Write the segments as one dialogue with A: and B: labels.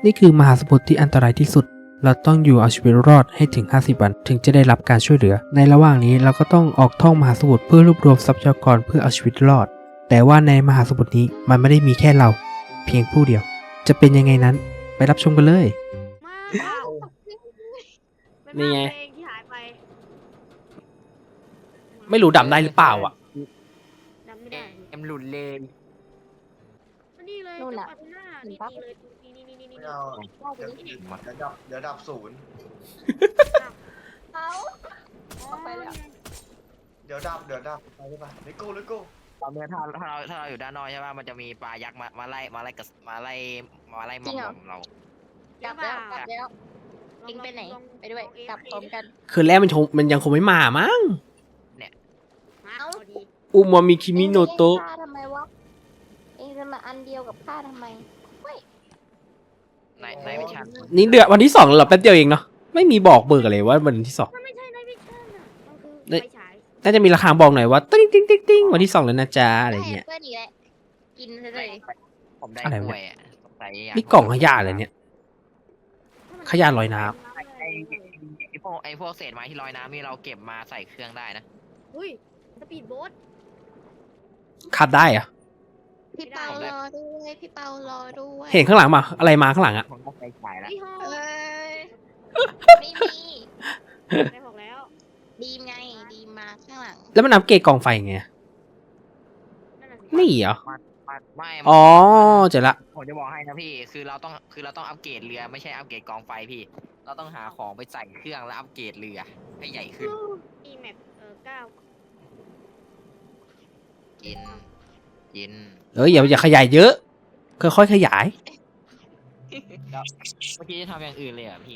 A: นี่คือมหาสมุทรที่อันตรายที่สุดเราต้องอยู่เอาชีวิตรอดให้ถึง50 วันถึงจะได้รับการช่วยเหลือในระหว่างนี้เราก็ต้องออกท่องมหาสมุทรเพื่อรวบรวมทรัพยากรเพื่อเอาชีวิตรอดแต่ว่าในมหาสมุทรนี้มันไม่ได้มีแค่เราเพียงผู้เดียวจะเป็นยังไงนั้นไปรับชมกันเลยนี่ไงไม่รู้ดำได้หรือเปล่าอ่ะ
B: ดำไม่ได้
C: เอ็มหลุดเลย
B: นี่เลย
D: นู่นน่ะ
B: จังหวัดหน้า
D: เห็น
B: นี่
D: ปะ
B: เลยนี่
E: ไม่เอาเดี๋ยวดับศูนย์
D: เขาออกไปแล้ว
E: เดี๋ยวดับไปได้ปะเลโก้
C: ตอนนี้ถ้าเราอยู่ด้านนอกใช่ป่ะมันจะมีปลายักษ์มาไล่มอมเรา
D: กลับแล้วเองไปไหนไปด้วยกลับพร้อมกัน
A: คือแรกมันยังคงไม่มามั้ง
B: เอาดี
A: อุมามิคิมิโนโตะ
D: เองฆ่าทำไมวะเองจะมาอันเดียวกับข้าทำไมเฮ้ย
C: ในวิชา
A: นี่เดือนวันที่2แล้วเหรอแป๊บเดียวเองเนาะไม่มีบอกเบิกอะไรว่าวันที่
B: มันไม่ใช่ในวิชั่นอ่ะมันคือไฟฉาย
A: 2น่าจะมีราคาบอกหน่อยว่าติ้งวันที่2แล้วนะจ๊ะอะไรเงี้ย
D: เพื่อนอีกแล้วกินเลย
C: ผมได้
A: อะไร
C: ก
A: วะ
C: ล้วยอ่ะสงสัย
A: นี่กล่องขยะอะไรเนี่ย ขยะลอยน้ำ
C: ไอ้พวกเศษไม้ที่ลอยน้ำนี่เราเก็บมาใส่เครื่องได้นะ
B: อุ้ยสปีดโบ๊ท
A: ขับได้เหรอะ
D: พี่เปารอด้วยพี่เปารอด้วย
A: เห็นข้างหลังมาอะไรมาข้างหลังอะ
C: ผมก็ไปขายแล้ว
B: ยี่ห้อ
D: เอ้ยไม่มี
B: ได้บอกแล้ว
D: ดีมไงดีมมาข้างหลัง
A: แล้วมันอัปเกรดกล่องไฟไง
B: นั่นน่ะสิ
A: นี่เหรอ
C: ไม่
A: อ๋อเจอละ
C: ผมจะบอกให้นะพี่คือเราต้องอัปเกรดเรือไม่ใช่อัปเกรดกองไฟพี่ เราต้องหาของไปใส่เครื่องแล้วอัปเกรดเรือให้ใหญ่ขึ้น
B: อีแม็ก9
C: กิน
A: อย่าขยายเยอะค่อยๆขยาย
C: เมื่อกี้จะทำอย่างอื่นเลยอ่ะพี่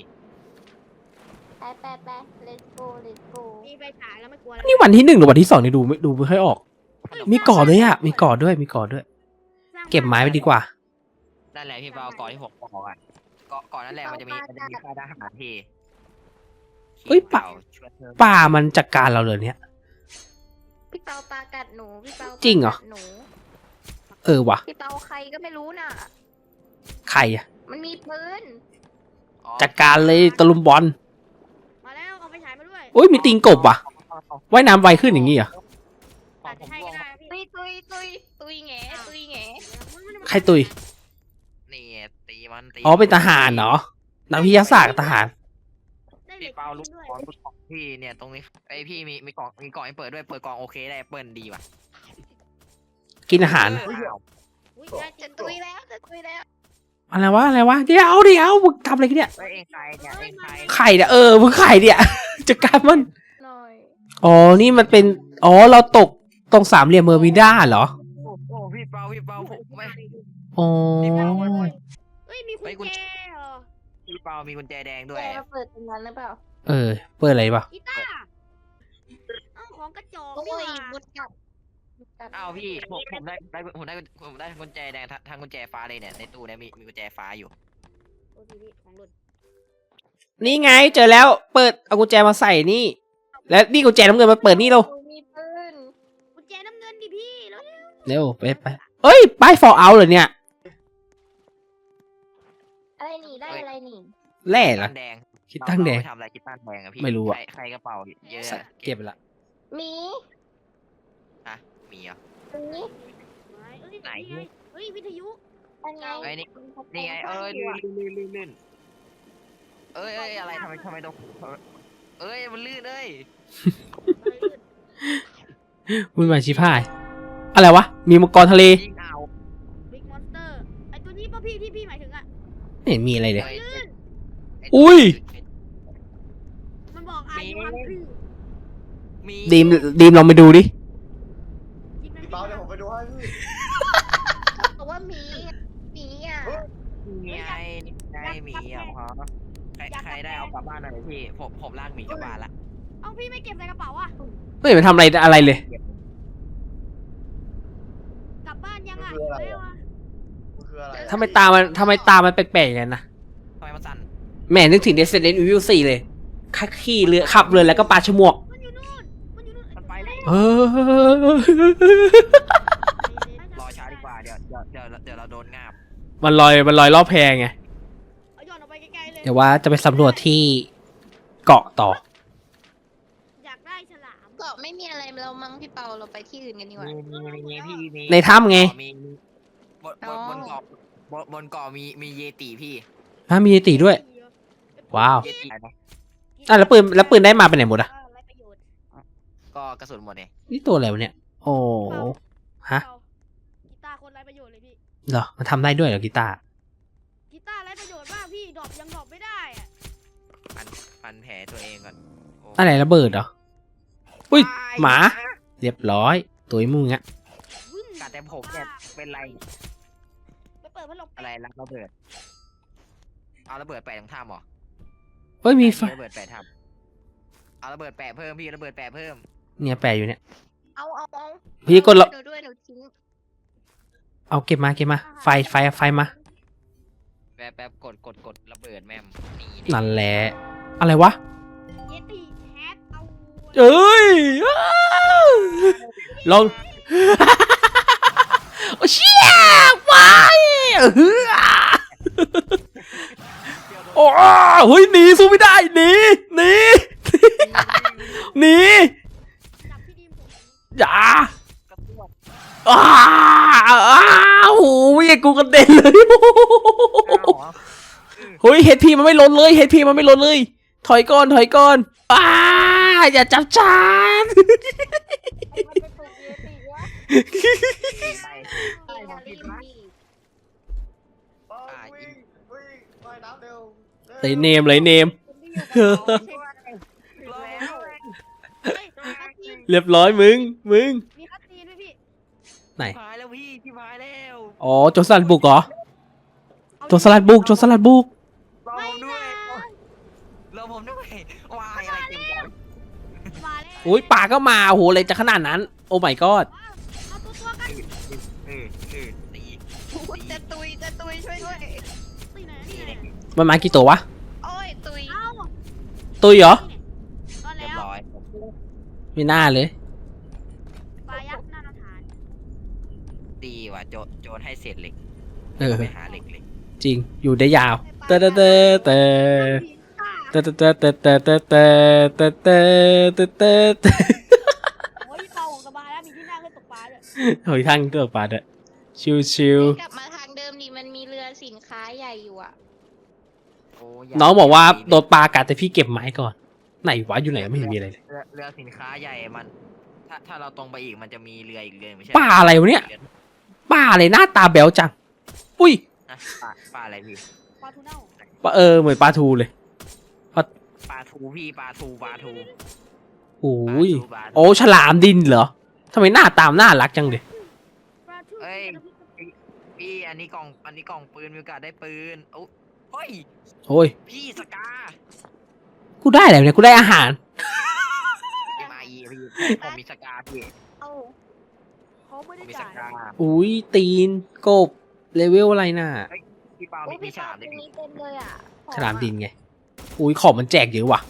D: ไป let's go
B: มีไฟฉายแล้วไม่กลัวแล้ว
A: นี่วันที่1หรือวันที่2นี่ดูไม่ค่อยออก มีก่อด้วยอะมีก่อด้วยเก็บไม้ไปดีกว่า
C: นั่นแหละพี่เปาก่อนที่ผมบอกอ่ะก่อนนั่นแหละมันจะมีค่ายทหารพี่
A: เอ้ยปะ
C: ช่วยเธอ
A: ป่ามันจัดการเราเลยเนี่ย
D: พี่เปาปลากัดหนูพี่เปา
A: จริงเหรอ
D: ปลากัดหนู
A: วะ
D: พี่เปาใครก็ไม่รู้น่ะ
A: ใครอะ
D: มันมีปืน
C: อ๋อ
A: จัดการเลยตะลุมบอล
B: มาแล้วเอาไฟฉายมาด้วย
A: โอ้ยมีตีนกบว่ะว่ายน้ำไวขึ้นอย่างงี้เหรอ
B: อาจจะให้ก็ได้พี่
D: ตุยแง
A: ใครตุย
C: นี่ตีมันตี
A: อ๋อเป็นทหารเนาะนักวิทยาศาสตร์กับทหาร
B: ได้เหล็
C: พี่
B: ก
C: เปาลูก
B: ด้วย
C: ของพี่เนี่ยตรงนี้ไอยพี่มีกล่องให้เปิดด้วยเปิดกล่องโอเคได้เปิดดีว่ะ
A: กินอาหาร
B: อุ้ยได้จริ
D: จะ
B: ง
D: ตุยแล้ว
A: อะไรวะเดี๋ยวมึงทำอะไรกันเนี่ย
C: เอ้ยเองใครเนี่ยเองใคร
A: ไข่เนี่ยมึงไข่เนี่ยจัดการมัน
D: หน่อย
A: อ๋อนี่มันเป็นเราตกตรงสามเหลี่ยมเบอร์มิวด้าเหรอ
C: โอ้พี่เปาผมไม่
A: อ๋อ
B: เอ้ยมีกุญแจเหรอ
C: พี่เปามีกุญแจแดงด้วย
D: แกมาเปิดตรงนั้นหรือเปล่า
A: เปิดอะไรปะ
B: กีตาร์เอ้าของกระจอก
D: โอ้
B: นี่
D: ย
B: หว่า
D: มุดกลับ
C: อ้าวพี่ผมได้กุญแจแดงทางกุญแจฟ้าเลยเนี่ยในตู้เนี่ยมีกุญแจฟ้าอยู่
B: โอ้พี่ของหล่น
A: นี่ไงเจอแล้วเปิดเอากุญแจมาใส่นี่ แล้วนี่กุญแจน้ำเงินมาเปิดนี่เรา
D: มีปืน
B: กุญแจน้ำเงินดิพี่แล้ว
A: เร็วไปเอ้ยป้ายฟอร์เอาเหรอเนี่ย
D: อะไรนี่ได้อะไรนี่
A: แร่เหรอ
C: แดง
A: คิดตั้งแดง
C: ทำอะไรคิดตั้งแดงอะพี่
A: ไม่รู้อะ
C: ใครกระเป๋าเยอะอะ
A: เก็บไปละ
D: หมี
C: อะมีเหรอ
D: หมี
B: ไหนเฮ้ยวิทยุ
D: อันไง
C: ไอ้นี่ไงลื่นเอ้ยอะไรทำไมต้องเอ้ยมันลื่นเอ้ย
A: มึงมาชิพายอะไรวะมีมังกรทะเล
C: ยิงเอา
B: บิ๊กมอนสเตอร์ไอตัวนี้ป่ะพี่ที่พี่หมายถึงอ่ะ
A: ไม่เห็นมีอะไรเลย
B: ลื่น
A: อุ้ย
B: มันบอกอายุฮังคือ
C: มี
A: ดีมลองไปดูดิ
B: ยิง
E: พี่เปาเดี๋ยวผมไปดูให้พี่
D: บอกว่าหมีอ่ะ
C: มีไงหมีอ่ะฮะใครได้เอากลับบ้านหน่อยพี่ผมลากหมีกลับบ้านละ
B: เอาพี่ไม่เก็บใส่กระเป๋าอ่ะ
A: ไม่เห็นมันทำอะไรเลย
B: กลับบ้านยังอ่ะแล้วอ่ะ
E: มันคืออะไร
A: ทำไมตามันแปลกๆอย่างนั้นนะ
C: ทำไมมันสั่น
A: แหม่นึกถึง Resident Evil 4เลยขี่เรือขับเรือแล้วก็ปาฉมวก
B: มันอยู่นู่น
C: มันไปเลย รอช้าดีกว่าเดี๋ยวเราโดนงาบ
A: มันลอยรอบแพไงเดี๋ยวว่าจะไปสำรวจที่เกาะต่อ
B: อยากได้ฉลาม
D: เกาะไม่มีอะไรเรามั้งพี่เปาเราไปที่อื่นกันดีกว่า
C: มีพี่มี
A: ในถ้ำไง
C: มีบน
D: อ๋อ
C: บนเกาะบนเกาะมีเยติพี่
A: มีติด้วย ว้าว
C: เยตินะ
A: แล้วปืนได้มาไปไหนหมดอะ
B: ไรประโยชน์
C: ก็กระสุนหมดเนี่ย
A: นี่ตัวอะไรวะเนี่ย โอ้ฮะ
B: กีตาร์คนไรประโยชน์เลยพี่
A: เหรอมันทำได้ด้วยเหรอกีตาร์
B: กีตาร์ไรประโยชน์มากพี่ดรอปยังดรอปไม่ได้อะ
C: ฟันแผลตัวเองก่อนโ
A: อะไรระเบิดเหรอ อุ้ย
C: ตาย
A: หมา เรียบร้อย ตัวไอ้มึงอะ
B: วึ่ง
C: กัดแต่ผมเนี่ยเป็นไร
B: ไปเปิดพัดลม
C: อะไรรักระเบิดเอาระเบิดแปะตรงถ้ำเหรอ
A: เฮ้ยมีไฟ
C: ระเบิดแปะถ้ำเอาระเบิดแปะเพิ่มพี่ระเบิดแปะเพิ่ม
A: เนี่ยแปะอยู่เนี่ย
D: เอา
A: พี่กดละ
D: หนูด้วยหนูทิ้ง
A: เอาเก็บมาไฟมา
C: แป๊บกดระเบิดแม่มนี่
A: นั่นแหละ อะไรวะ
B: เยติแฮกเอา
A: เอ้ยอ้าวลอง โอ้เชี่ยวายโอ้เฮ้ยหนีสู้ไม่ได้หนีหนี
B: จับพี่ดีมผม
A: อย่าก
C: ระตุ้น
A: อ้าวโอ้ยกูกระเด็นเลยเฮ้ยเฮดพีมันไม่ลดเลยถอยก่อนอย่าจับฉัน
D: มันไปปลูกเยติวะ
C: ไป
D: แฮร์รี่ดี
E: วิ่งว่ายน้ำเร็ว
A: เลยเนม
B: คนที่อยู่กับเขาใช่ไหม เฮ้ยมีคัตซีน
A: เรียบร้อยมึง
B: มีคัตซีนไหมพี่
A: ไหน
C: พายแล้วพี่ที่พายแล้ว
A: อ๋อโจรสลัดบุกเหรอ
B: เอา
A: โจรสลัดบุก
C: รอผมด้วยรอผมด้วยวายอะไรเต็มใจ
B: มาแล้ว
A: อุ้ยป่าก็มาโอ้โหอะไรจะขนาดนั้น โอ้ my god
B: เอาตัวกัน
C: ตี
D: จะตุยช่วยด้วย
B: ตีไหนนี่ไหน
A: มันมากี่ตัววะ
D: โอ้ยตุย
B: เอา
A: ตัวเหรอ
B: ก็
C: เรีย
B: แล้
C: บ
B: ว
C: ร้อย
A: ไม่น่าเลย
B: ปลายักษ์หน้าฐาน
C: ตีว่ะโจรให้เศษเหล็ก
A: เออ
C: ไปหาเหล็ก
A: จริง อยู่ได้ยาวเตะเตะเตะเตะเตะเตะเตะเตะเตะเตะเตะเตะเตะเตะ
B: โอ้ยเป่าของสบายแล้วมีที่นั่งให้ตกปลาด้วย
A: เฮ้ยทั้งตัวปลาด้วยชิว
D: กลับมาทางเดิมดิมันมีเรือสินค้าใหญ่อยู่อ่ะ
A: ๆน้องบอกว่าโดนปลากัดแต่พี่เก็บไม้ก่อน ไหนวะอยู่ไหนไม่เห็นมีอะไรเลย
C: เรือสินค้าใหญ่มัน ถ้าเราตรงไปอีกมันจะมีเรืออีกเรือไม่ใช่
A: ปลาอะไรวะเนี่ย ปลาอะไรหน้าตาแบวจัง อุ้ย
C: นะปลาอะไรพี่
B: ปลาทูเน่า
A: ปลาเหมือนปลาทูเลย
C: ปลาทูพี่ปลาทู
A: โอ้ย
C: ปลาทู
A: โอ้ฉลามดินเหรอทำไมหน้าตามน่ารักจังเลย
B: ปลาทู
C: พี่อันนี้กล่องปืนมีโอกาสได้ปืนโอ้ย
A: โอ้ย
C: พี่สกา
A: กูได้อะไรเนี่ยกูได้อาหาร
C: MIE พี่ผมมีสกาพี่
D: เอา
B: เขาไม่
C: ผม
B: ได้
C: มีส
B: จ่าย
C: กา
A: อุ้ยตีนกบเลเวลอะไรน่ะ
C: พี่เปา
D: โอ้ย
C: มี
D: พี่
C: ฉ
D: ปา
C: ลาม
D: ตร
C: ด้วย
D: ง
C: พี่
D: นี้เต็มเลยอ่ะ
A: ฉลามดินไง อุ้ยของมันแจกเยอะว่ะ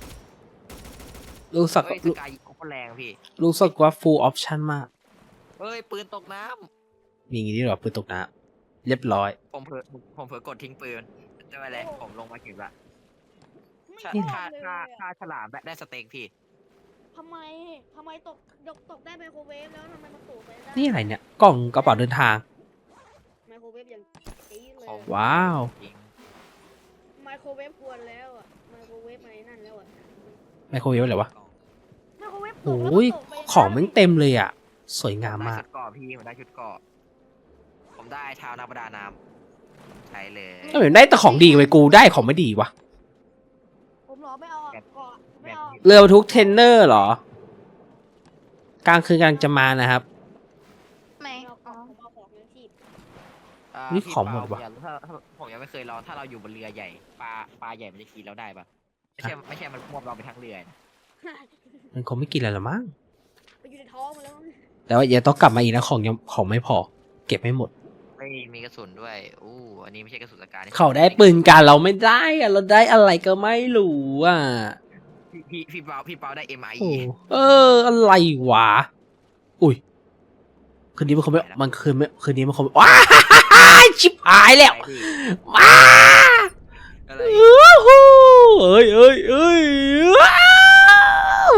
A: รู้สึก
C: เฮ้ยสกายิงโคตรแรงพี่
A: รู้สึกว่า full option มาก
C: เฮ้ยปืนตกน้
A: มีอย่างนี้ด้วยเหรอปืนตกน้ำเรียบร้อย
C: ำผมเผลอกดทิ้งปืนไม่เป็นไรผมลงมาเก็บละ
B: ไม่
C: ค่า
B: ชอบ
C: ค่า
B: เลย
C: ค่า
B: อะ
C: ค่าฉลามได้สเต็กพี่
B: ทำไมตกได้ไมโครเวฟแล้วทำไมมันตกไปได้
A: นี่อะไรเนี่ย กล่องกระเป๋าเดินทาง
B: ไมโครเวฟอย่างจี๊ดเลย
C: ของ
A: ว้าว
C: จริง
B: ไมโครเวฟควรแล้วอ่ะไมโครเวฟอะไรนั่นแล้วอ่ะ
A: ไมโครเวฟอะไรวะ
B: ไมโครเวฟตก
A: โอ้
B: แล้ว
A: ย
B: ตกไป
A: ของมันเต็มเลยอ่ะ สวยงาม
C: ได้
A: มาก
C: ชุดเกาะพี่ผมได้ชุดเกาะผมได้เท้านักประดาน้ำใช่เลย
A: ถ้าเหมือนได้แต่ของดีไปกูได้ของไม่ดีวะ
B: ผมเหรอไม่เอาอะเกาะไม่เอา
A: เรือทุกเทรนเนอร์เหรอ กลางคืนกำลังจะมานะครับ
D: ไม่
B: ไม่เอา
D: อ๋อ
B: ผมเอาของเลี้ยงชีพ
A: นี่
C: พี่
A: ของหมด
C: เปา
A: ว่ะ
C: ถ้าผมยังไม่เคยลองถ้าเราอยู่บนเรือใหญ่ปลาใหญ่มันจะกินเราได้ปะไม่ใช่มันควบเราไปทั้งเรือนะ
A: มันคงไม่กินอะไรหรอมั้ง
B: ไปอยู่ในท้องมันแล้วมั้ง
A: แต่ว่าอย่าต้องกลับมาอีกนะของไม่พอ เก็บไม่หมด
C: ไม่มีกระสุนด้วยอู้อันนี้ไม่ใช่กระสุนสกานี่
A: เขาได้ปืนกันเราไม่ได้อะเราได้อะไรก็ไม่รู้อ่ะ
C: พี่เปาได้ MIE
A: โอ้อะไรวะ อุ้ย คืนนี้มันคงไม่ มันคืนนี้มันคงไม่ว้าชิบหายแล้ว
C: อะไรพี่
A: ว้า
C: อะไร
A: เอ้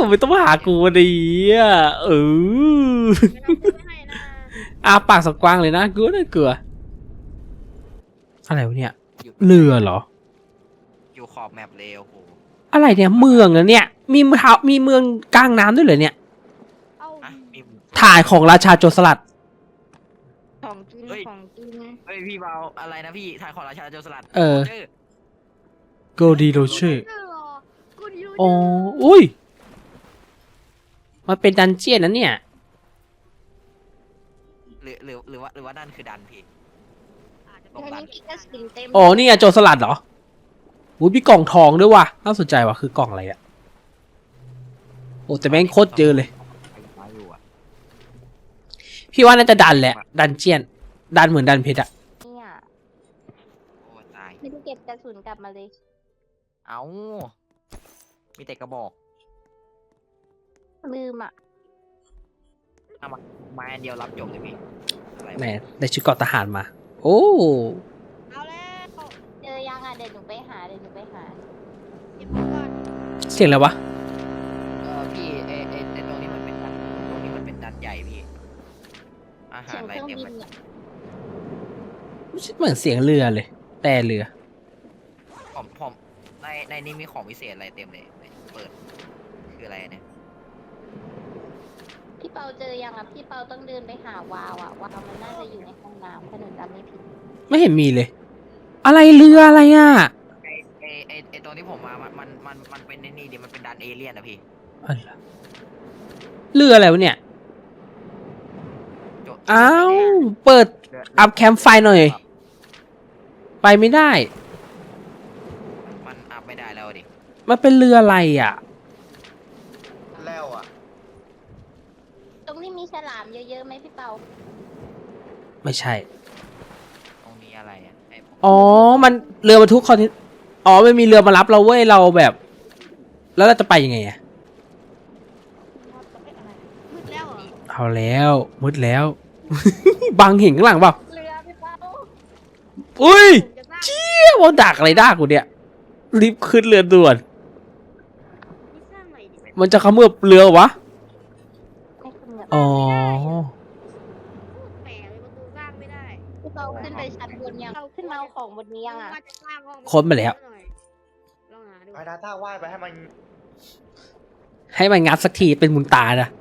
A: ไม่ต้องมาหากูดีอ่ะ
B: ไม่ต้องซื้อไม่ให้นะ
A: อาปากสักกว้างเลยนะกูน่ากลัวอะไรวะเนี่ยเรือเหรอ
C: อยู่ขอบแมปเลยโอ้โห
A: อะไรเนี่ยเมืองอะเนี่ยมีเมืองกลางน้ำด้วยเหรอเนี่ย
B: เอา
C: อ่ะมี
A: ถ่ายของราชาโจรสลัด
D: ของกินของกิน
C: เฮ้ยพี่เบาอะไรนะพี่ถ่ายของราชาโจรสลัด
A: เออ
C: จ
A: โกดีโรเช่
B: เจอเหรอกูดีรู้
A: อ๋ออุ้ยมันเป็นดันเจียนนะเนี่ย
C: หรือว่านั่นคือดันพี่
B: อาจจะ
C: ตรง
D: อัน
C: นั้น
D: นี้พี่ก็สินเต็ม
A: อ๋อนี่ไงโจรสลัดเหรออุ้ยมีกล่องทองด้วยว่ะน่าสนใจว่ะคือกล่องอะไรอะโอ้แต่แม่งโคตรเยอะเลย
C: มาอยู่อะ
A: พี่ว่าน่าจะดันแหละดันเจียนดันเหมือนดันเพชรอะ
D: เนี่ย
C: โอ้ตาย
D: ไม่ได้เก็บกระสุนกลับมาเลย
C: เอ้ามีแต่กระบอก
D: ลืมอ่ะ
C: ไม้อันเดียวรับจบเลยพี่อะไรวะ
A: แหมได้ชุดเกราะทหารมา โอ้
B: เอาแล้ว
D: เจอยังอ่ะเดี๋ยวหนูไปหา
B: เก็บของก่อน
A: เสียงอะไรวะ
C: พี่ตรงนี้มันเป็นดันตรงนี้มันเป็นดันใหญ่พี่อาหา
D: เสี
C: ร
D: ยง
C: อะไร
D: เครื่อง
C: เต็ม
D: บิ
C: เล
D: น
C: ย
D: เนี่ย
A: ไม่ใช่เหมือนเสียงเรือเลย แต่เรือ
C: ผมในนี้มีของพิเศษอะไรเต็มเลยเปิดคืออะไรเนี่ย
D: พี่เปาเจอยังอ่ะพี่เปาต้องเดินไปหาวาวอ่ะวาวมันน่าจะอยู่ในห้องน้ำถ้าหนูจำไม่ผิด
A: ไม่เห็นมีเลย อะไรเรืออะไรอ่ะ
C: ไอตรงที่ผมมามันเป็นนี่ดิมันเป็นดันเอเลี่ยนอะพี่
A: อะไรเรืออะไรวะเนี่ย
C: โจ
A: อ้าวเปิด อัพแคมป์ไฟหน่อย ไปไม่ได้
C: มันอัพไม่ได้แล้วดิ
A: มันเป็นเรืออะไรอ่ะ
E: แล้วอ่ะ
D: ตรงนี้มีฉลามเยอะๆไหมพี่เปา
A: ไม่ใช่
C: ตรงนี้อะไรอะไอ
A: อ๋อ มันเรือบรรทุกคอนเทนอ๋อมันมีเรือมารับเราเว้ย เราแบบ แล้วเราจะไปยังไงอ่ะ
B: อะไรมืดแล้วเหรอ
A: เอาแล้วมืดแล้ว บังเห็นข้างหลังเปล่า
D: เรือพี่เปา
A: อุ้ย
B: ผมจะสร้าง
A: เชี่ยว่าดักอะไรดักกูเนี่ย รีบขึ้นเรือด่วน
B: นี่สร้างใหม่ดิ
A: มันจะเขมือบเรือวะ
D: ไม่คุณแบบ
A: อ๋อ
B: แปลกเลยประตูสร้างไม่ได้
D: พี่เปาขึ้นไปชั้นบนยังขึ้นมาเอาของบนนี้ยังอ่ะ
B: ว่าจะสร้างห้อง
A: ค้นมาแล้ว
B: หน่อยลองหาดู
E: ไอ้ดาต้าว่ายไปให้มัน
A: ให้มันงัดสักทีเป็นมุนตานะ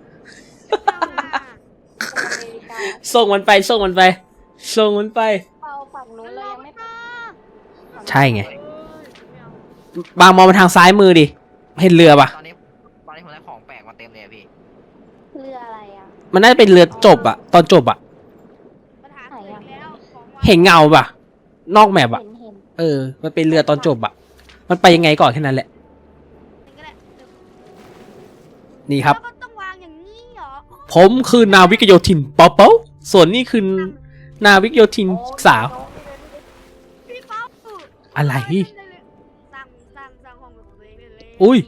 D: อเมริกา
A: ส่งมันไป ส่งมันไป ส่งมันไป
D: เปาฝั่งนู้นเรายังไม่ไป
A: ใช่ไง
B: ไม่เอา
A: บางมองมาทางซ้ายมือดิ เห็นเรือปะ
C: ตอนนี้ผมได้ของแปลกมาเต็มเลยอะพี่
D: เรืออะไรอ่ะ
A: มันน่าจะเป็นเรือจบอะตอนจบอะ
B: ปัญหาเกิดอีกแล้วของวาง
A: เห็นเงาปะนอกแมปอะ
D: เห็น
A: เออ มันเป็นเรือตอนจบอะมันไปยังไงก่อนแค่นั้นแหละ
B: ก็ได้
A: นี่ครับ
B: แล้วก็ต้องวางอย่างนี้เหรอ
A: ผมคือนาวิกโยธินเปาเปาส่วนนี่คือนาวิกโยธินสาว
B: พี่เป้า
A: อะไร
B: สร้างห้องเป็นของตัวเองเลย
A: อุ้ย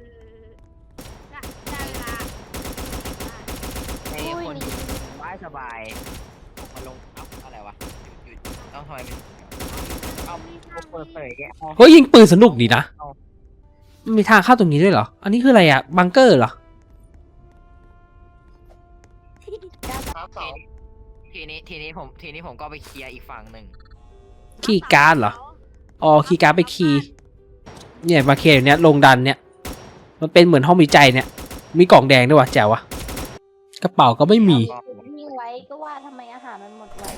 B: ได้เวลา
C: ไอคนสบายผมมาลงเอ้าอะไรวะหยุดต้องทำไมมันเอาเปิดเผยแก
A: เฮ้ยยิงปืนสนุกดีนะ มันมีทางเข้าตรงนี้ด้วยเหรอ อันนี้คืออะไรอะบังเกอร์เหรอ
E: น้ำเสา
C: ทีนี้ผมก็ไปเคลียร์อีกฝั่งหนึ่ง
A: คีย์การ์ดเหรอ อ๋อ คีย์การ์ดไปคีย์เนี่ยมาเคลียร์อยู่เนี้ยลงดันเนี่ย มันเป็นเหมือนห้องวิจัยเนี่ย มีกล่องแดงด้วยวะแจ๋ววะ กระเป๋าก็ไม่มี
D: วิ่งไว้ก็ว่าทำไมอาหารมันหมดไว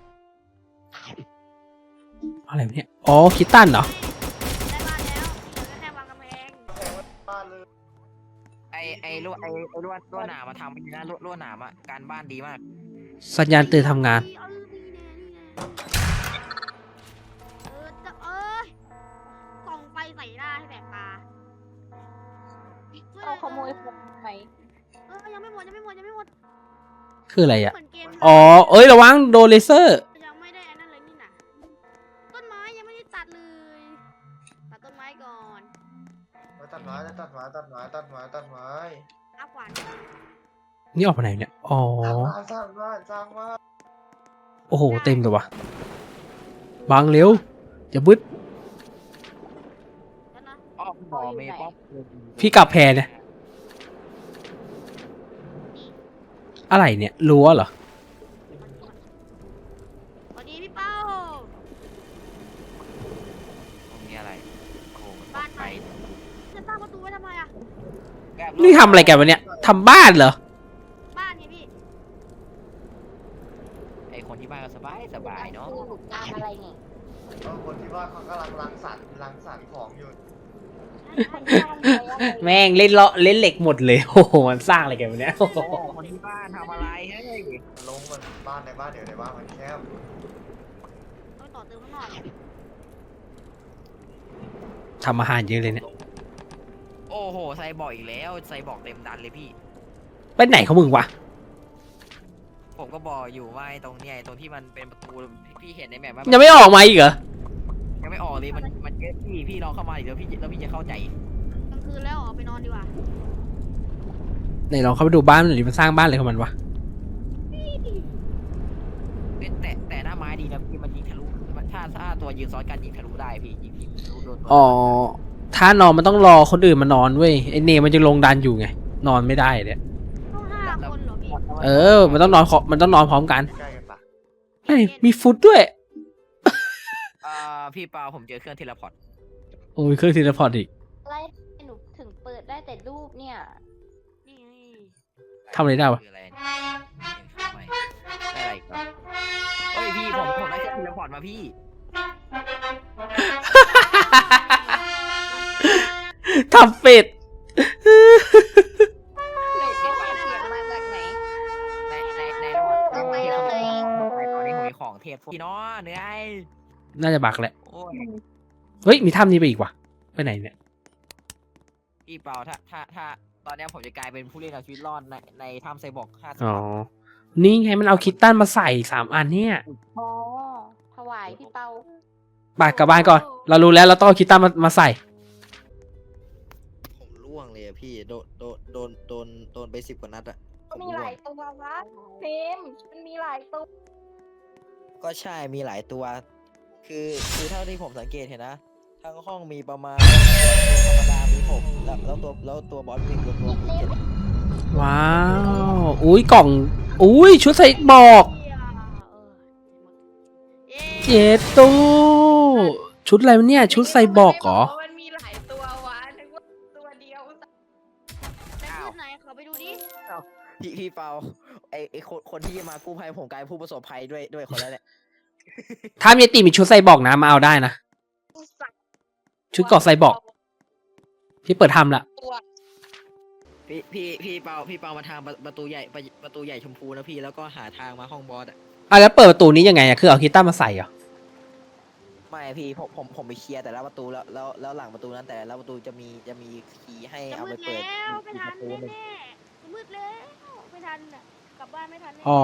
A: อะไรวะเนี่ย อ๋อ คิตตันเหรอ
B: ได้บ้านแล้วเหลือแค่วางกำแพง
E: บ้านเลย
C: ไอ้ลวดหนามมาทำดีนะลวดหนามอ่ะการบ้านดีมาก
A: สัญญาณเตือนทำงาน
B: ส่องไฟใส่หน้าให้แสบตา
D: เอาขโมยผมไหม
B: ยังไม่หมด
A: คืออะไรอะ
B: เหมือนเกม
A: อ๋อ เอ้ยระวังโดนเลเซอร์
B: ยังไม่ได้อันนั้นเลยนี่นะต้นไม้ยังไม่ได้ตัดเลย ตัดต้นไม้ก่อน
E: ตัดไม้
B: เอาขวาน
A: นี่ออกไปไหนเนี่ย อ๋อ
E: สร้างบ้าน
A: โอ้โห เต็มเลยวะบังเร็ว อย่าบึ้ด
B: แล้วนะ
C: อ้อมหมอเมย์ป๊อป
A: พี่กลับแพรเนี่ยอะไรเนี่ยรั้วเหรอ
B: สวัสดีพี่เป้า
C: ตรงนี้อะไรโอ้โหมัน
B: บ้าน
C: ไป
B: ไหน จะตั้งประตูไว้ทำไมอะ
A: นี่ทำอะไรกันวะเนี่ยทำบ้านเหรอ
B: บ้านไงพี่
C: ไอคนที่บ้านก็สบายเนาะ
D: ตามอะไรเนี่ย
E: คนที่ว่าเขากำลังรังสรรค์ของอยู่
D: คนที่ทำอะไร
A: แม่งเล่นเลาะเล่นเหล็กหมดเลย โอ้โหมันสร้างอะไรกันวะเนี่ย
C: โอ้โหคนที่บ้านทำอะไรเฮ้ย
E: ลงมันบ้านในบ้านเดี๋ยวในบ้านมันแคบ
B: ต้องต่อเติมข้างนอก
A: ทำอาหารเยอะเลยเนี่ย
C: โอ้โหไซบอร์กอีกแล้วไซบอร์กเต็มดันเลยพี่
A: ไปไหนของมึงวะ
C: ผมก็บอกอยู่ว่าไอ้ตรงเนี้ยไอ้ตรงที่มันเป็นประตูพี่เห็นในแมปว่า
A: ยังไม่ออกมาอีกเหรอ
C: ยังไม่ออกเลยมันเยอะพี่ลองเข้ามาอีกแล้วพี่จะเข้าใจ
B: กลางคืนแล้วออกไปนอนดีกว่า
A: ไหนลองเข้าไปดูบ้านมันหน่อยดิมันสร้างบ้านอะไรของมันวะ
C: แต่หน้าไม้ดีนะพี่มันยิงทะลุถ้าตัวยืนซ้อนกันยิงทะลุได้พี่ยิงทะลุโดนตัว
A: อ๋อถ้านอนมันต้องรอคนอื่นมานอนเว้ยไอเนมันจะลงดันอยู่ไงนอนไม่ได้เนี่ย
B: ต้อง5 คนเหรอพี่
A: มันต้องนอนมันต้องนอนพร้อมกัน
E: ใกล้กันปะ
A: เฮ้ยมีฟุตด้วย
C: พี่เปาผมเจอเครื่องเทเลพอร์ต
A: โอ้ยเครื่องทีละพอร์ตอีก
D: อะไรหนูถึงเปิดได้แต่รูปเนี่ย
B: นี่ไง
A: ทำอะไรได้วะ
C: คืออะไรได้อะไรอีกครับเฮ้ยพี่ผมได้เครื่องเทเลพอร์ตมาพี่
A: ทำเป็ด
D: หนูก็ฟังเสียงมาจากไหน
C: ในระหว่างตอนนี้ผมมีของเทพพี่น้องเหนื่อย
A: น่าจะบักแหละ
C: โอ้ย
A: เฮ้ยมีถ้ำนี้ไปอีกวะไปไหนเนี่ย
C: พี่เปาถ้าตอนนี้ผมจะกลายเป็นผู้เล่นเอาชีวิตรอดในถ้ำไซบอร์ก50
A: อ๋อนี่ไงมันเอาคิตตันมาใส่3 อันเนี่ย
D: อ๋อถวายพี่เปา
A: บากกลับบ้านก่อน เรารู้แล้วเราต้องเอาคิตตันมาใส่
F: ผมล่วงเลยอะพี่โดนไป10 กว่านัดอะผม
D: มี
F: ร่
D: ห
F: ว
D: ลาง ยตัววะเฟมมันมีหลายตัว
F: ก็ใช่มีหลายตัว คือเท่าที่ผมสังเกตเห็นนะทั้งห้องมีประมาณตัวธรรมดามี6แล้วตัวบอสมีตัวมี7
A: ว้าว อุ้ยกล่อง อุ้ยชุดใส่บอก
B: เย้
A: เจตู้ชุดอะไรวะเนี่ย ชุดใส่บอกเหรอ
D: มันมีหลายตัววะนึกว่าตัวเดียว
B: แต่ชุดไหนขอไปดูดิ
F: พี่เปาไอคนที่มากู้ภัยผมกลายเป็นผู้ประสบภัยด้วยคนแล้วเนี่ย
A: ถ้ามีติมีชุดใส่บอกนะมาเอาได้นะ ชุดเกาะใส่บอก พี่เปิดทำละ
C: พี่เปามาทางประตูใหญ่ชมพูนะพี่แล้วก็หาทางมาห้องบอสอะ
A: แล้วเปิดประตูนี้ยังไงอะคือเอาคิตตันมาใส่เหรอ
F: ไม่พี่ผมไปเคลียร์แต่ละประตูแล้วหลังประตูนั้นแต่ละประตูจะมีคีย์ให้
B: จะ
F: เอา
B: มื
F: ไป
B: ด
F: เปิด
B: แล้วไม่ทัน
F: ประตูหนึ่ง
B: แน่ๆจะมืดแล้วไม่ทันอ่ะกลับบ้านไม่ทันแน่
A: อ๋อ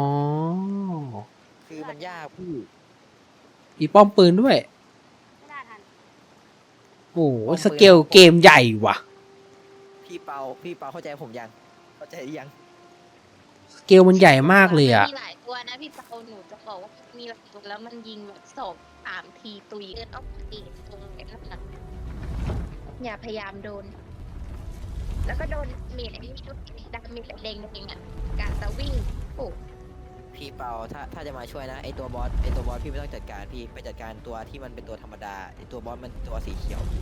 F: คือมันยากพี่
A: มีป้อมปืนด้วย
B: ไม่น่าทัน
A: โอ้โหสเกลเกมใหญ่ว่ะ
F: พี่เปาเข้าใจผมยังเข้าใจหรือยัง
A: สเกลมันใหญ่มากเลยอะ
D: มีหลายตัวนะพี่เปาหนูจะบอกว่ามีหลายตัวแล้วมันยิงแบบ2-3 ทีตุยเอาตีตรงไอ้นั่นน่ะอย่าพยายามโดน แล้วก็โดนเมียนี่ชุดดำมีแต่แดงๆอ่ะการจะวิ่งโอ้
F: พี่เปาถ้าจะมาช่วยนะไอตัวบอสพี่ไม่ต้องจัดการพี่ไปจัดการตัวที่มันเป็นตัวธรรมดาไอตัวบอสมันตัวสีเขียวพี่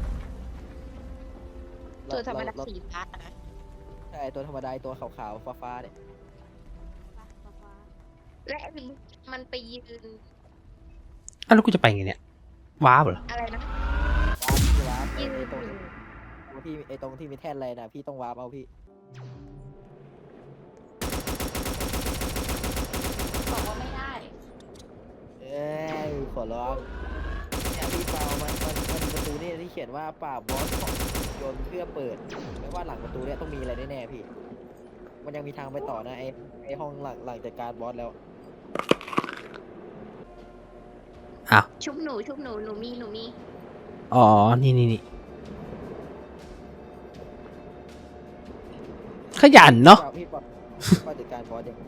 D: ตัวธรรมดา
F: เ
D: สีฟ้านะ
F: ใช่ตัวธรรมดาไอ้ตัวขาวๆฟ้าๆเนี่ย
B: ฟ้า
D: และมันไปยืน
A: อ้าวแล้วกูจะไปไงเนี่ย ว้าวเหรอ
D: อะไรนะ
F: วาร์ป
D: ยืน
F: ไอตรงที่มีแท่นอะไรนะพี่ต้องวาร์ปเอาพี่
D: บอกว่าไม่ได้
F: เอ้ยขอร้องเนี่ยพี่เปามันมีประตูนี่ที่เขียนว่าปราบบอสของโยนเพื่อเปิดไม่ว่าหลังประตูเนี่ยต้องมีอะไรแน่ๆพี่ มันยังมีทางไปต่อนะไอห้องหลังจัดการบอสแล้ว
A: อ้าว
D: ชุบหนูหนูมี
A: อ๋อ นี่ขยันเนาะ
F: พี่เปาจัดการบอสยัง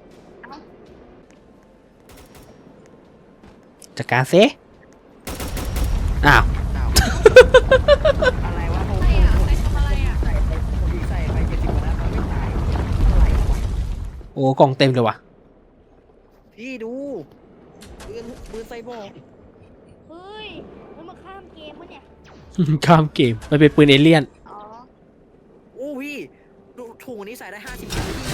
A: จัดการเซอ้าว
C: อ้าวอะไรวะผม
D: ใครอ่ะใครทำอะไรอ่ะ
C: ใส่ไป70 กว่านัดมันไม่ตายอะไรวะ
A: อ้กล่องเต็มเลยว่ะ
F: พี่ดูปืนไซบอร์ก
B: เฮ้ยมันมาข้ามเกมวะเนี่ย
A: ข้ามเกมมันเป็นปืนเอเลี่ยน
B: อ๋อ
F: โอ้พี่ดูถุงอันนี้ใส่ได้50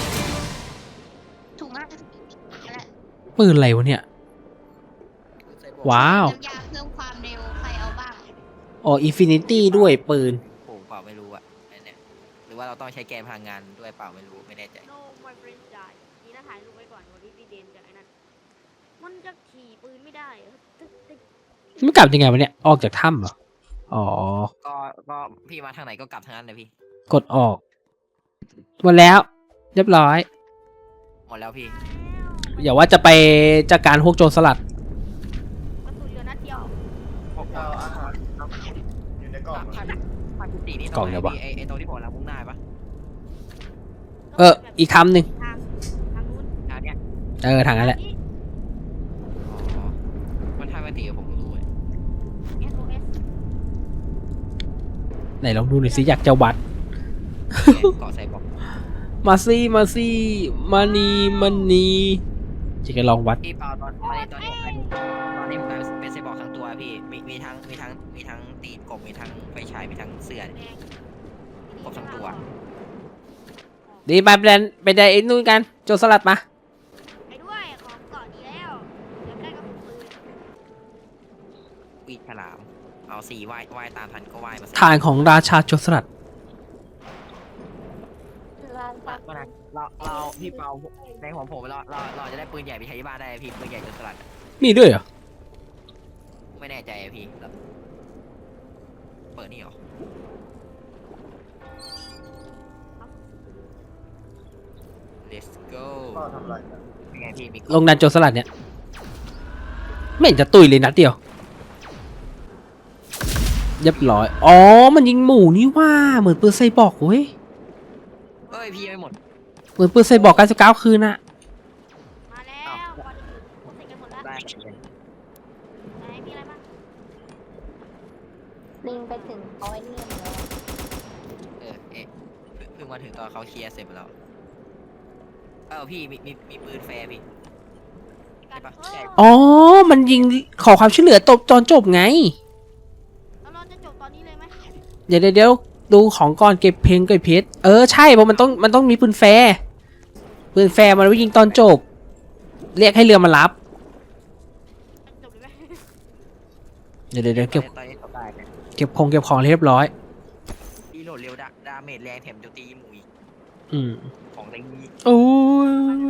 D: ถูกมากและ
A: ปืนอะไรวะเนี่ย
F: ปืนไซบอร์ก
A: ว้าว
D: น้ำยาเพิ่มความเร็วใครเอาบ้าง
A: อ๋ออินฟินิตี้ด้วยปืน
F: ผมเปล่าไม่รู้อะอันเนี่ยหรือว่าเราต้องใช้แกนพลังงานด้วยเปล่าไม่รู้ไม่แน่ใจ
B: no my friend die นี่นะถ่ายรูปไว้ก่อนวันที่พี่เดนกับไอ้นั่นมันจะขี่ปืนไม่ได้เหรอตึ๊กตึ๊ก
A: มันกลับยังไงวะเนี่ย ออกจากถ้ำเหรอ อ๋อ
F: ก็พี่มาทางไหนก็กลับทางนั้นเลยพี่
A: กดออก หมดแล้ว เรียบร้อย
F: หมดแล้วพี่
A: อย่าว่าจะไปจัดการพวกโจรสลัด
B: กระสุนเหลือนัดเดียว
E: เอาอาหารครับอยู่ในกล่อง
F: ภาคที่สี่นี่
A: กล่องเนี่ยวะ
F: ไอ้ตรงที่ผมเรามุ่งหน้าปะ
A: อีกถ้ำหนึ่ง
B: ทางนู้น
F: ทางเนี้ย
A: ทางนั้นแหละ
F: อ๋อมันทางปกติผมรู้เลย
B: SOS
A: ไหนลองดูหน่อยสิอยากจะวัด
F: เกาะไซบอร์ก
A: มาซี่มาซี่มานีมันนีจะกันลองวัด
F: พี่เปาตอนนี้ผมกลายเป็นไซบอร์กทั้งตัวพี่มีทั้งตีนกบมีทั้งไฟฉายมีทั้งเสื้อครบทั้งตัว
A: ดีไปไปได้ไอ้นู่นกัน โจรสลัดมา
B: ไปด้วยของเกาะดีแล้วเดี๋ยวได้กระสุนปืน
F: ปีกฉลามเอาสี่ว่ายตามทันก็ว่ายมา
A: ฐานของราชาโจรสลัด
D: ร้านปัก
F: เราพี่เปาในของผมเราจะได้ปืนใหญ่ไปใช้ที่บ้านได้พี่ปืนใหญ่จนสลัด
A: มีด้วยเหรอ
F: ไม่แน่ใจอะพี่เปิดนี่เหรอ let's go
E: พ่อทำอะไรกัน
F: เป็นไงพี่มี
A: ลงดันโจรสลัดเนี่ย ไม่เห็นจะตุยเลยนัดเดียว เรียบร้อย อ๋อ มันยิงหมูนี่ว่า เหมือนปืนไซบอร์กเว้ย
F: เอ้ยพี่ไม่หมด
A: เหมือนปืนไซบอร์ก99คืนน่ะ
B: มาแล้วก่อนอื่นพูดเสร็จกันหมดแล้ว
F: ได้
B: ไหนมีอะไรบ้าง
D: ลิงไปถึงเอาไอ้นี่มาแล้ว
F: เพิ่งมาถึงตอนเขาเคลียร์เสร็จไปแล้วพี่มีปืนแฟร์พี่ ใช่ปะใช่
A: อ๋อ มันยิงขอความช่วยเหลือตอนจบไง
B: แล้วเราจะจบตอนนี้เลยไหม
A: เดี๋ยวดูของก่อนเก็บเพลงเก็บเพชรใช่เพราะมันต้องมีปืนแฟร์มันไว้ยิงตอนจบ เรียกให้เรือมารับ
B: จบเลยไหม
A: เดี๋ยวเก็บ
F: ตอนนี้จบได้เนี่ย
A: เก็บของเรียบร้อย
F: พี่โหลดเร็วดาเมจแรงแถมโจมตีหมูอีก
A: อืม
F: ของอะไรนี้
A: โอ้ย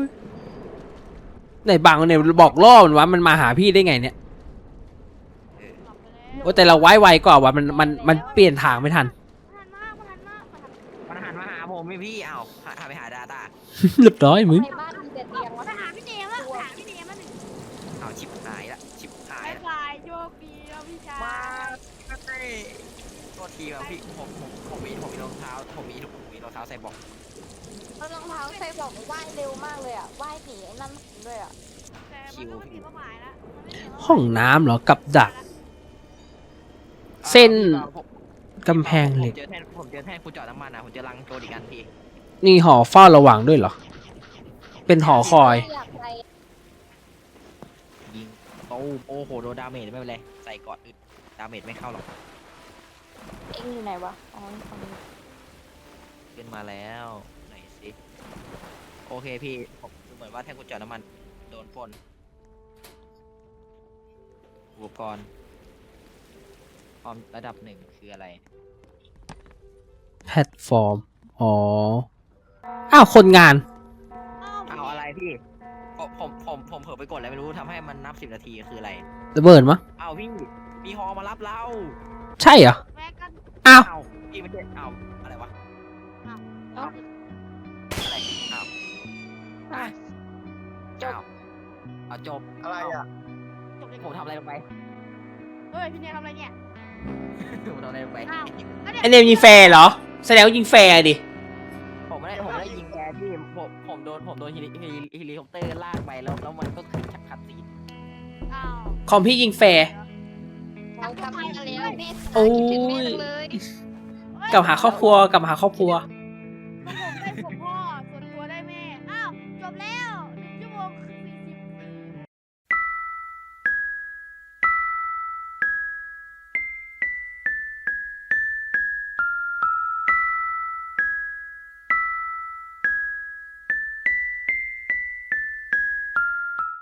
A: ไหนบางเนี่ยบอกล่อมันว่ามันมาหาพี่ได้ไงเนี่ย
B: จบไปแล้ว
A: โอ้แต่เราไวกว่าว่ะมันเปลี่ยนทางไม่ทัน
F: มันหันมาหาผมพี่อ้าวหันไปหาดาต้า
A: เรียบร้อยมึง
D: ในบ้านมีแต่เตียงวะ
B: มาหาพี่เนมแล้วหาพี่เนมแล้วหนึ่ง
F: อ้าวชิบหายละ
B: บายบายโชคดีแล้วพี่ชาย
F: มาโทษทีครับพี่ผมมีรองเท้าผมมีรองเท้าใส่บอก
D: เอารองเท้าใส่บอกว่ายเร็วมากเลยอ่ะว่ายหนีไอ้นั่นด้วยอ่ะ
B: แต่มันก็ไม่ผิดเป้าหมายละมันไม่ผิดเป้าหมาย
A: ห้องน้ำเหรอกับดัก เส้นกำแพงเหล็ก
F: ผมเจอแท่นคุณจอดน้ำมันผมเจอรังโจรอีกอันพี่
A: นี่หอเฝ้าระวังด้วยเหรอ เป็นหอคอย
D: อยากไป
F: ยิงโอ้โหโดนดาเมจไม่เป็นไรใส่กอดอึดดาเมจไม่เข้าหรอก
D: เอ็งอยู่ไหนวะอ๋อฝั่งนี้
F: ขึ้นมาแล้วไหนสิโอเคพี่ผมเหมือนว่าแท่นคุณจอดน้ำมันโดนปล้นอุปกรณ์ความระดับ1คืออะไร
A: แพลตฟอร์ม อ๋อ อ้าว คนงาน
F: เอาอะไรพี่ผมเผลอไปกดอะไรไม่รู้ทำให้มันนับ10 นาทีคืออะไร
A: ระเบิดมั้ง
F: เอาพี่มีฮอมารับเรา
A: ใช่เหรอ
B: แม่กัน
A: อ้าว
F: เอาพี่ไม่ใช่เอาอะไรวะ
D: เอ้า
F: อะไรเอา
D: อ่ะ จบ
F: เอาจบ
E: อะไรอ่ะ
B: จบเลย
F: ผมทำอะไรลงไป
B: เฮ้ยพี่เนมทำอะไรเนี่ย
F: ผมทำอะไรลงไป
B: อ้าว
A: ไอเนมยิงแฟร์เหรอ แสดงว่ายิงแฟร์ดิ
F: ผมไม่ได้ยิงแกพี่ผมโดนเฮลิคอปเตอร์ลากไปแล้วมันก็ขึ้นชักคัดซีน
B: อ้าว
A: คอมพี่ยิงแฟร์
D: เรากลับมาแล้วแม่
A: โอ้ย
D: คิดถึงแม่จังเลย
A: กลับหาครอบครัว
B: ผมได้ผมพ่อส่วนตัวได้แม่ อ้าวจบแล้ว1 ชั่วโมง 40